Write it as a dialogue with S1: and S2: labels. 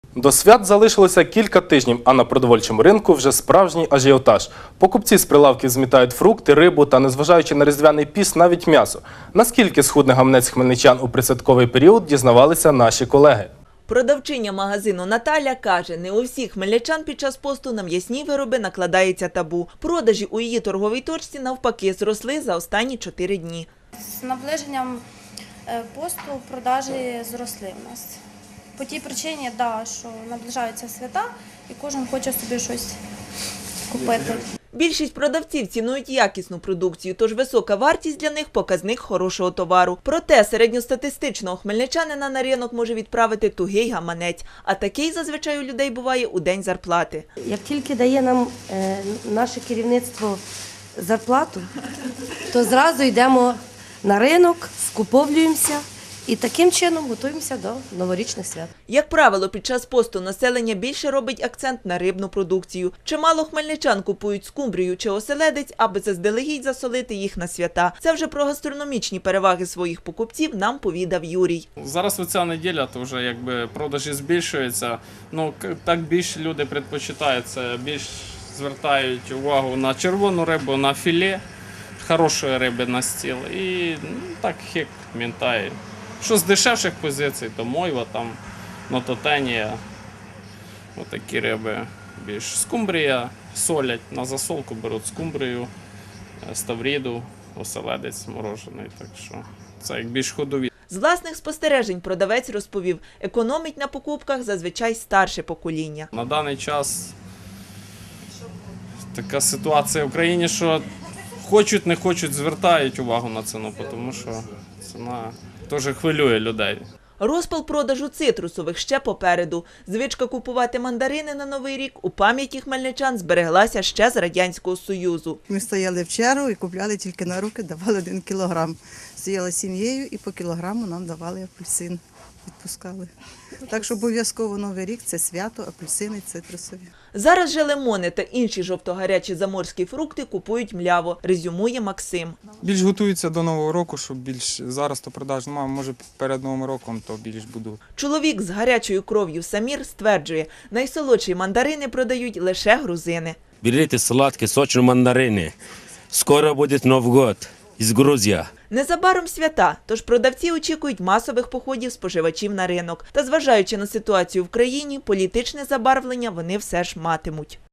S1: До свят залишилося кілька тижнів, а на продовольчому ринку вже справжній ажіотаж. Покупці з прилавків змітають фрукти, рибу та, незважаючи на різдвяний піст, навіть м'ясо. Наскільки схудне гаманець хмельничан у присвятковий період, дізнавалися наші колеги.
S2: Продавчиня магазину Наталя каже, не у всіх хмельничан під час посту на м'ясні вироби накладається табу. Продажі у її торговій точці навпаки зросли за останні 4 дні.
S3: З наближенням посту продажі зросли в нас. По тій причині, що наближаються свята і кожен хоче собі щось купити.
S2: Більшість продавців цінують якісну продукцію, тож висока вартість для них – показник хорошого товару. Проте середньостатистичного хмельничанина на ринок може відправити тугий гаманець, а такий зазвичай у людей буває у день зарплати.
S4: Як тільки дає нам наше керівництво зарплату, то зразу йдемо на ринок, скуповуємося і таким чином готуємося до новорічних свят.
S2: Як правило, під час посту населення більше робить акцент на рибну продукцію. Чимало хмельничан купують скумбрію чи оселедець, аби заздалегідь засолити їх на свята. Це вже про гастрономічні переваги своїх покупців нам повідав Юрій.
S5: Зараз оця неділя, то вже якби продажі збільшуються. Ну, так більше люди предпочитають, це більш звертають увагу на червону рибу, на філе, хорошої риби на стіл і так хек, мінтай. Що з дешевших позицій, то мойва, там, нототенія, отакі риби більш. Скумбрія солять, на засолку беруть скумбрію, ставріду, оселедець морожений, так що це як більш ходові.
S2: З власних спостережень продавець розповів, економить на покупках зазвичай старше покоління.
S5: На даний час така ситуація в Україні, що хочуть, не хочуть, звертають увагу на ціну, тому що ціна теж хвилює людей.
S2: Розпал продажу цитрусових ще попереду. Звичка купувати мандарини на Новий рік у пам'яті хмельничан збереглася ще з Радянського Союзу.
S6: Ми стояли в чергу і купляли тільки на руки, давали 1 кілограм. Стояла сім'єю і по кілограму нам давали апельсин, відпускали. Так що обов'язково Новий рік – це свято, апельсини, цитрусові.
S2: Зараз же лимони та інші жовтогарячі заморські фрукти купують мляво, резюмує Максим.
S7: Більш готуються до Нового року, щоб більш зараз то продаж немає, може перед Новим роком то більш буду.
S2: Чоловік з гарячою кров'ю Самір стверджує, найсолодші мандарини продають лише грузини.
S8: Берите сладкие, сочные мандарины. Скоро будет Новый год из Грузии.
S2: Незабаром свята, тож продавці очікують масових походів споживачів на ринок. Та зважаючи на ситуацію в країні, політичне забарвлення вони все ж матимуть.